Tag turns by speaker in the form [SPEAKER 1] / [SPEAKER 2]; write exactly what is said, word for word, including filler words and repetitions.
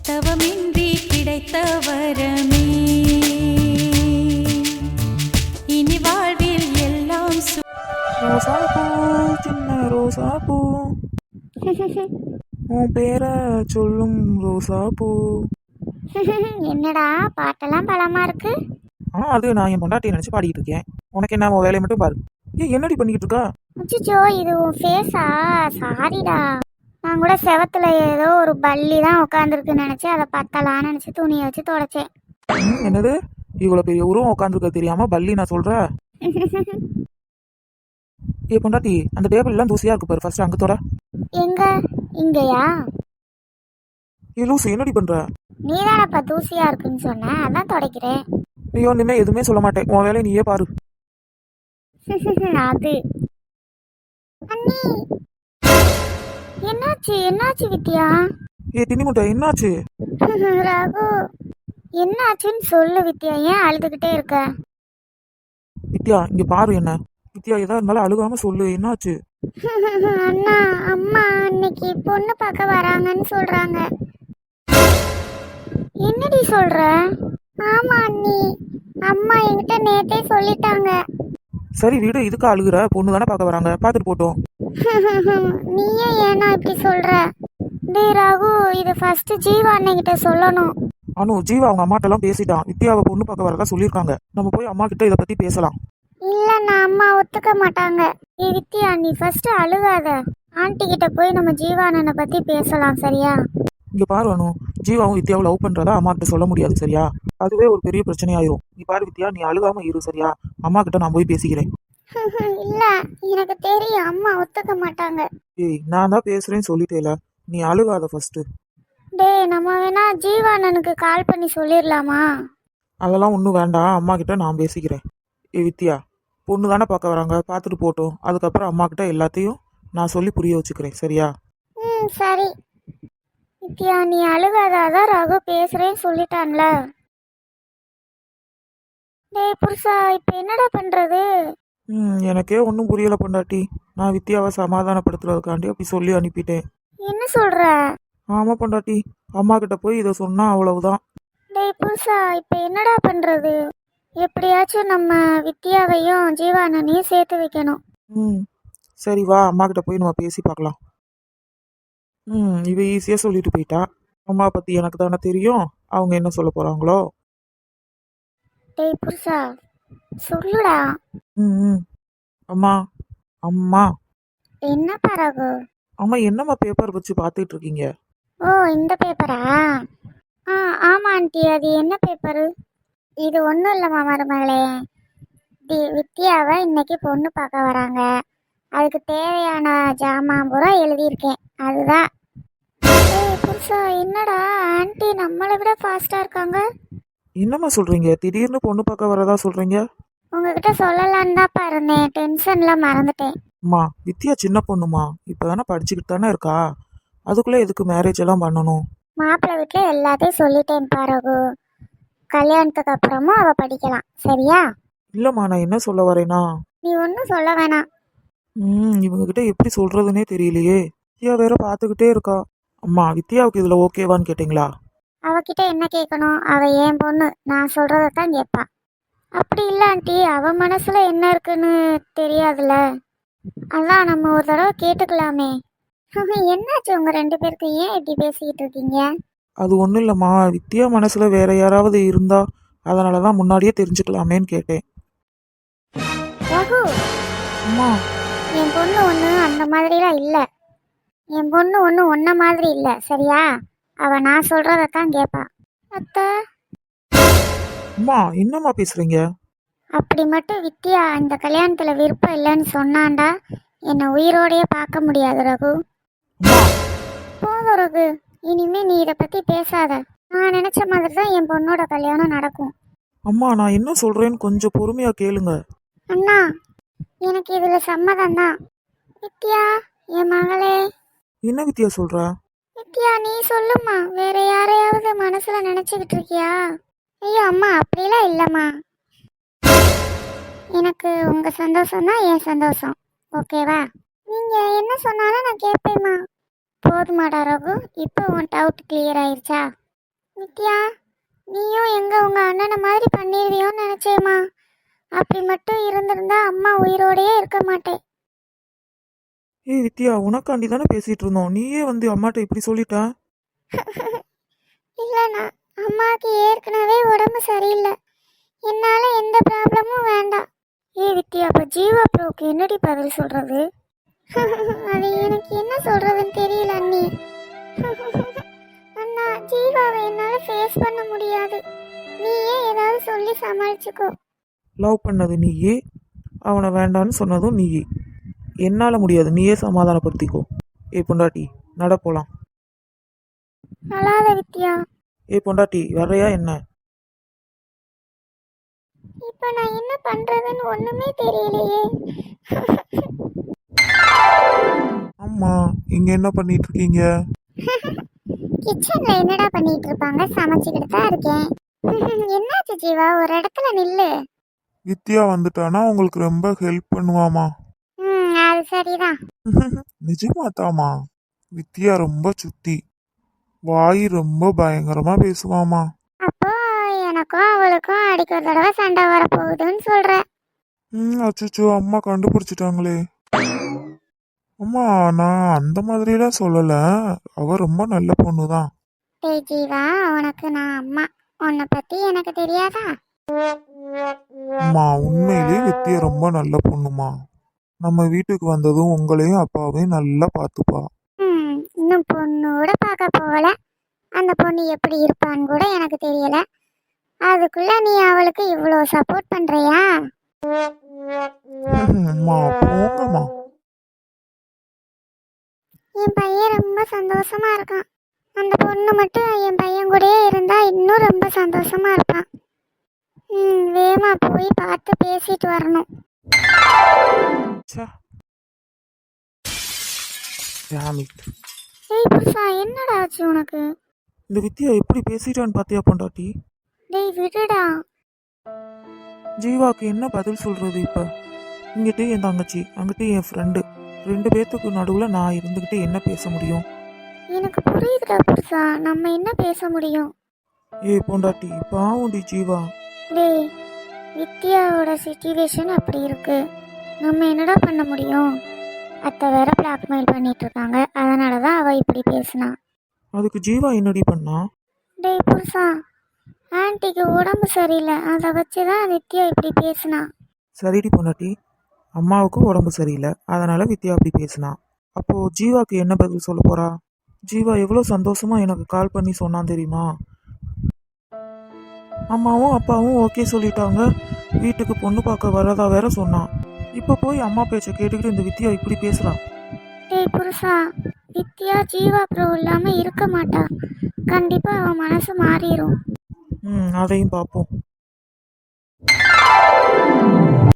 [SPEAKER 1] தவமின்றி கிடைத்த வரமே இனி வாழ்வில் எல்லாம் சு-
[SPEAKER 2] ரோசாப்பூ சின்ன ரோசாப்பூ உன் பேரை சொல்லும் ரோசாப்பூ.
[SPEAKER 3] என்னடா பாட்டெல்லாம் பலமா இருக்கு.
[SPEAKER 2] ஆ அது நான் என் பொண்டாட்டியை நினச்சி பாடிக்கிட்டு இருக்கேன். உனக்கு என்ன உன் வேலையை மட்டும் பாரு. ஏன் என்னடி பண்ணிக்கிட்டு இருக்கா?
[SPEAKER 3] அச்சோ இது உன் ஃபேஸா? சாரிடா, நான் கூட செவத்துல ஏதோ ஒரு பல்லி தான் உட்காந்துருக்குன்னு நினைச்சு அதை பத்தலான்னு நினைச்சு துணியை வச்சு தொடச்சேன்.
[SPEAKER 2] ம், என்னது இவ்வளோ பெரிய உருவம் உட்காந்துருக்க தெரியாம பல்லி நான் சொல்ற? ஏ பொண்டாட்டி, அந்த டேபிள் எல்லாம் தூசியா இருக்கு பாரு, ஃபர்ஸ்ட் அங்க தொட.
[SPEAKER 3] எங்க? இங்கயா?
[SPEAKER 2] ஏ லூசு, என்னடி பண்ற?
[SPEAKER 3] நீதானப்பா தூசியா இருக்குன்னு சொன்ன, அதான் துடைக்கிறேன்.
[SPEAKER 2] ஐயோ இனிமே எதுவுமே சொல்ல மாட்டேன், உன் வேலையை நீயே பாரு.
[SPEAKER 3] அது அண்ணி, என்னாச்சு என்னாச்சு வித்யா?
[SPEAKER 2] ஏ தின்னி முட்டை, என்னாச்சு?
[SPEAKER 3] ரகு, என்னாச்சுன்னு சொல்லு வித்யா, ஏன் அழுதுகிட்டே இருக்க?
[SPEAKER 2] வித்யா இங்க பாரு என்ன. வித்யா ஏதா இருந்தாலும் அழுகாம சொல்லு, என்னாச்சு?
[SPEAKER 3] அண்ணா, அம்மா இன்னைக்கு பொண்ணு பார்க்க வராங்கன்னு சொல்றாங்க. என்னடி சொல்ற? ஆமா அண்ணி, அம்மா என்கிட்ட நேத்தே சொல்லிட்டாங்க.
[SPEAKER 2] சரி வீடு, இதுக்கு அழுகுற? பொண்ணு தானே பார்க்க வராங்க, பார்த்துட்டு போட்டோம்.
[SPEAKER 3] நீயே ஏன்னா இப்படி சொல்ற? டேய் ரகு, இது ஃபர்ஸ்ட் ஜீவா அண்ணன்கிட்ட சொல்லணும்.
[SPEAKER 2] அனு, ஜீவா அவங்க அம்மாட்ட எல்லாம் பேசிட்டான், வித்யாவை பொண்ணு பார்க்க வரதா சொல்லியிருக்காங்க. நம்ம போய் அம்மா கிட்ட இதை பத்தி பேசலாம்.
[SPEAKER 3] இல்லண்ணா, அம்மா ஒத்துக்க மாட்டாங்க. ஏ வித்யா, நீ ஃபர்ஸ்ட் அழுகாத. ஆண்டி கிட்ட போய் நம்ம ஜீவா அண்ணனை பத்தி பேசலாம், சரியா?
[SPEAKER 2] இங்க பாரு அனு, ஜீவாவும் வித்யாவும் லவ் பண்றதா அம்மா கிட்ட சொல்ல முடியாது, சரியா? அதுவே ஒரு பெரிய பிரச்சனையாயிரும். நீ பாரு வித்யா, நீ அழுகாம இரு, சரியா? அம்மா கிட்ட நான் போய் பேசிக்கிறேன்.
[SPEAKER 3] இல்ல, எனக்கு தெரியும் அம்மா ஒத்துக்க மாட்டாங்க.
[SPEAKER 2] ஏய், நான் தான் பேசுறேன்னு சொல்லிட்டேல, நீ அழுகாத ஃபர்ஸ்ட்.
[SPEAKER 3] டேய், நம்ம வேணா ஜீவா அண்ணனுக்கு கால் பண்ணி சொல்லிடலாமா?
[SPEAKER 2] அதெல்லாம் ஒன்றும் வேண்டாம், அம்மா கிட்ட நான் பேசிக்கிறேன். ஏ வித்யா, பொண்ணு தானே பார்க்க வராங்க, பார்த்துட்டு போட்டோம். அதுக்கப்புறம் அம்மா கிட்ட எல்லாத்தையும் நான் சொல்லி புரிய வச்சுக்கிறேன், சரியா?
[SPEAKER 3] ம் சரி. வித்யா, நீ அழுகாதான், ரகு பேசுறேன்னு சொல்லிட்டான்ல. டேய் புருஷா, இப்ப என்னடா பண்றது?
[SPEAKER 2] ம் எனக்கே ஒன்றும் புரியல பொண்டாட்டி. நான் வித்யாவை சமாதானப்படுத்துறதுக்காண்டி அப்படி சொல்லி அனுப்பிட்டேன்.
[SPEAKER 3] என்ன சொல்ற?
[SPEAKER 2] ஆமா பொண்டாட்டி, அம்மா கிட்ட போய் இதை சொன்னா அவ்வளவுதான்.
[SPEAKER 3] டேய் புருஷா, இப்ப என்னடா பண்றது? எப்படியாச்சும் நம்ம வித்யாவையும் ஜீவானனையும் சேர்த்து வைக்கணும்.
[SPEAKER 2] ம் சரி வா, அம்மா கிட்ட போய் நம்ம பேசி பார்க்கலாம். ம் இவ ஈஸியாக சொல்லிட்டு போயிட்டா. அம்மா பற்றி எனக்கு தானே தெரியும், அவங்க என்ன சொல்ல போகிறாங்களோ.
[SPEAKER 3] டேய் புருஷா, சொல்லுடா.
[SPEAKER 2] ம் ம் அம்மா, அம்மா.
[SPEAKER 3] என்ன பரகு?
[SPEAKER 2] அம்மா என்னம்மா பேப்பர் வச்சு பார்த்துட்டு இருக்கீங்க?
[SPEAKER 3] ஓ, இந்த பேப்பரா? ஆ ஆமா ஆண்டி, அது என்ன பேப்பரு? இது ஒன்றும் இல்லைம்மா மருமகளே, தி வித்யாவை இன்னைக்கு பொண்ணு பார்க்க வராங்க, அதுக்கு தேவையான ஜாமான் பூரா எழுதியிருக்கேன், அதுதான். ஏய் புருஷா, என்னடா ஆண்டி நம்மளை விட ஃபாஸ்ட்டாக இருக்காங்க.
[SPEAKER 2] என்னம்மா சொல்கிறீங்க? திடீர்னு பொண்ணு பார்க்க வரதா சொல்கிறீங்க?
[SPEAKER 3] உங்ககிட்ட சொல்லலான்னு தான்ப்பா இருந்தேன், டென்ஷனில் மறந்துட்டேன்.
[SPEAKER 2] அம்மா, வித்யா சின்ன பொண்ணுமா, இப்போ தானே படிச்சுக்கிட்டு தானே இருக்கா, அதுக்குள்ளே எதுக்கு மேரேஜ் எல்லாம் பண்ணணும்?
[SPEAKER 3] மாப்பிள்ளை வீட்டில் எல்லாத்தையும் சொல்லிட்டேன் பாரகு, கல்யாணத்துக்கு அப்புறமும் அவள் படிக்கலாம், சரியா?
[SPEAKER 2] இல்லைம்மா, நான் என்ன சொல்ல வரேனா,
[SPEAKER 3] நீ ஒன்றும் சொல்ல வேணாம்.
[SPEAKER 2] ம் இவங்ககிட்ட எப்படி சொல்கிறதுனே தெரியலையே. வித்யா வேற பார்த்துக்கிட்டே இருக்கா. அம்மா, வித்யாவுக்கு இதில் ஓகேவான்னு கேட்டிங்களா?
[SPEAKER 3] அவகிட்ட என்ன கேட்கணும்? அவள் ஏன் பொண்ணு, நான் சொல்கிறத தான் கேட்பா. அப்படி இல்லை ஆண்டி, அவள் மனசில் என்ன இருக்குன்னு தெரியாதுல்ல, அதான் நம்ம ஒரு தடவை கேட்டுக்கலாமே. என்னாச்சு உங்கள் ரெண்டு பேருக்கு, ஏன் இப்படி பேசிக்கிட்டு இருக்கீங்க?
[SPEAKER 2] அது ஒன்றும் இல்லைம்மா, வித்யா மனசில் வேற யாராவது இருந்தா அதனால தான் முன்னாடியே தெரிஞ்சுக்கலாமேன்னு கேட்டேன்.
[SPEAKER 3] ரகு,
[SPEAKER 2] அம்மா,
[SPEAKER 3] என் பொண்ணு ஒன்று அந்த மாதிரிலாம் இல்லை. என் பொண்ணு ஒன்று ஒன்ன மாதிரி இல்லை, சரியா? அவள் நான் சொல்கிறத தான் கேட்பா. அத்தை,
[SPEAKER 2] அம்மா என்னம்மா பேசுறீங்க?
[SPEAKER 3] அப்படி மட்டும் வித்யா இந்த கல்யாணத்தில் விருப்பம் இல்லைன்னு சொன்னான்டா, என்னை உயிரோடையே பார்க்க முடியாது ரகு.
[SPEAKER 2] அம்மா,
[SPEAKER 3] போதும் ரகு, இனிமே நீ இதை பற்றி பேசாத. நான் நினச்ச மாதிரி தான் என் பொண்ணோட கல்யாணம் நடக்கும்.
[SPEAKER 2] அம்மா நான் என்ன சொல்றேன்னு கொஞ்சம் பொறுமையா கேளுங்க.
[SPEAKER 3] அண்ணா, எனக்கு இதில் சம்மதம் தான். வித்யா, என் மகளே.
[SPEAKER 2] என்ன வித்யா சொல்ற?
[SPEAKER 3] வித்யா, நீ சொல்லுமா, வேற யாரையாவது மனசுல நினைச்சுக்கிட்டு இருக்கியா? ஐயோ அம்மா, அப்படிலாம் இல்லம்மா. எனக்கு உங்க சந்தோஷம் தான் என் சந்தோஷம், ஓகேவா? நீங்க என்ன சொன்னாலும் நான் கேட்பேம்மா. போதுமாடா ரகு, இப்போ உன் டவுட் கிளியர் ஆயிருச்சா? வித்யா, நீயும் எங்க உங்க அண்ணனை மாதிரி பண்ணிடுவியோன்னு நினைச்சேம்மா. அப்படி மட்டும் இருந்திருந்தா அம்மா உயிரோடயே இருக்க மாட்டேன்.
[SPEAKER 2] ஏய் வித்யா, உனக்காண்டி தானே பேசிட்டு இருந்தோம், நீயே வந்து அம்மாட்ட இப்படி சொல்லிட்ட.
[SPEAKER 3] இல்லைண்ணா, அம்மாவுக்கு ஏற்கனவே உடம்பு சரியில்லை. என்னால எந்த ப்ராப்ளமும் வேண்டாம். ஏ வித்யா, அப்ப ஜீவா ப்ரோக்கு என்னடி பதில் சொல்றது? அது எனக்கு என்ன சொல்றதுன்னு தெரியல அண்ணி. அண்ணா, ஜீவாவை என்னால ஃபேஸ் பண்ண முடியாது. நீயே ஏதாவது சொல்லி சமாளிச்சுக்கோ.
[SPEAKER 2] லவ் பண்ணது நீயே, அவனை வேண்டான்னு சொன்னதும் நீயே. என்னால் முடியாது, நீயே சமாதானப்படுத்திக்கோ. ஏ பொண்டாட்டி, நட போலாம்.
[SPEAKER 3] அழாத வித்யா.
[SPEAKER 2] ஏ பொண்டாட்டி, வர்றையா என்ன?
[SPEAKER 3] இப்ப நான் என்ன பண்றதுன்னு ஒண்ணுமே தெரியலையே.
[SPEAKER 2] அம்மா, இங்க என்ன பண்ணிட்டு இருக்கீங்க?
[SPEAKER 3] கிச்சன்ல என்னடா பண்ணிட்டு இருப்பாங்க? சமைச்சுக்கிட்டு தான் இருக்கேன். என்னாச்சு ஜீவா, ஒரு இடத்துல நில்லு.
[SPEAKER 2] வித்யா வந்துட்டானா உங்களுக்கு ரொம்ப ஹெல்ப் பண்ணுவாமா.
[SPEAKER 3] ம், அது சரிதான்.
[SPEAKER 2] நிஜமா தாமா, வித்யா ரொம்ப சுத்தி, வாய் ரொம்ப பயங்கரமா பேசுவாமா.
[SPEAKER 3] அப்போ எனக்கும் அவளுக்கும் அடிக்க ஒரு தடவை சண்டை வரப்போகுதுன்னு சொல்ற.
[SPEAKER 2] ம், அச்சோ, அம்மா கண்டுபிடிச்சிட்டாங்களே. அம்மா, நான் அந்த மாதிரிலாம் சொல்லல, அவ ரொம்ப நல்ல பொண்ணுதான்.
[SPEAKER 3] டேய் ஜீவா, உனக்கு நான் அம்மா, உன்னை பத்தி எனக்கு தெரியாதா?
[SPEAKER 2] அம்மா, உண்மையிலேயே வித்யா ரொம்ப நல்ல பொண்ணுமா. நம்ம வீட்டுக்கு வந்ததும் உங்களையும் அப்பாவையும் நல்லா பார்த்துப்பா.
[SPEAKER 3] ம், இன்னும் பொண்ணோட பார்க்க போகல. அந்த பொண்ணு எப்படி இருப்பான்னு கூட எனக்கு தெரியல. அதுக்குள்ள நீ அவளுக்கு இவ்வளோ சப்போர்ட் பண்றியா?
[SPEAKER 2] அம்மா, போங்கம்மா.
[SPEAKER 3] என் பையன் ரொம்ப சந்தோஷமா இருக்கான். அந்த பொண்ணு மட்டும் என் பையன் கூடயே இருந்தா இன்னும் ரொம்ப சந்தோஷமா இருப்பான். ம், வேமா போய் பார்த்து பேசிட்டு வரணும்.
[SPEAKER 2] ச்சே. Damn it.
[SPEAKER 3] டேய் புருஷா, என்னடா ஆச்சு உனக்கு?
[SPEAKER 2] இந்த வித்யா எப்படி பேசிட்டான்னு பாத்தியா பொண்டாட்டி?
[SPEAKER 3] டேய் விடுடா.
[SPEAKER 2] ஜீவாக்கு என்ன பதில் சொல்றது இப்ப? இங்கிட்ட என் தங்கச்சி, அங்கிட்ட என் ஃப்ரெண்டு, ரெண்டு பேர்த்துக்கு நடுவுல நான் இருந்துகிட்டு என்ன பேச முடியும்?
[SPEAKER 3] எனக்கு புரியுதுடா புருஷா, நம்ம என்ன பேச முடியும்?
[SPEAKER 2] ஏ பொண்டாட்டி, பாவுண்டி ஜீவா.
[SPEAKER 3] டேய், வித்யாவோட சிச்சுவேஷன் அப்படி இருக்கு. நம்ம என்னடா பண்ண முடியும்? அத்தை வேற பிளாக்மெயில் பண்ணிட்டு இருக்காங்க. அதனால தான் அவ இப்படி பேசினா.
[SPEAKER 2] அதுக்கு ஜீவா என்னடி பண்ணா?
[SPEAKER 3] டேய் புருஷா, ஆன்ட்டிக்கு உடம்பு சரியில்லை, அதை வச்சு தான் வித்யா இப்படி பேசினா.
[SPEAKER 2] சரிடி பொண்டாட்டி, அம்மாவுக்கு உடம்பு சரியில்லை, அதனால வித்யா அப்படி பேசினா. அப்போ ஜீவாக்கு என்ன பதில் சொல்ல போறா? ஜீவா எவ்வளோ சந்தோஷமா எனக்கு கால் பண்ணி சொன்னான் தெரியுமா? அம்மாவும் அப்பாவும் ஓகே சொல்லிட்டாங்க, வீட்டுக்கு பொண்ணு பார்க்க வரதா வேற சொன்னான். இப்போ போய் அம்மா பேச்சை கேட்டுக்கிட்டு இந்த வித்யா இப்படி பேசுறா.
[SPEAKER 3] டேய் புருஷா, வித்யா ஜீவா ப்ரோ இல்லாம இருக்க மாட்டா. கண்டிப்பா அவன் மனசு மாறிடும்.
[SPEAKER 2] ம், அதையும் பார்ப்போம்.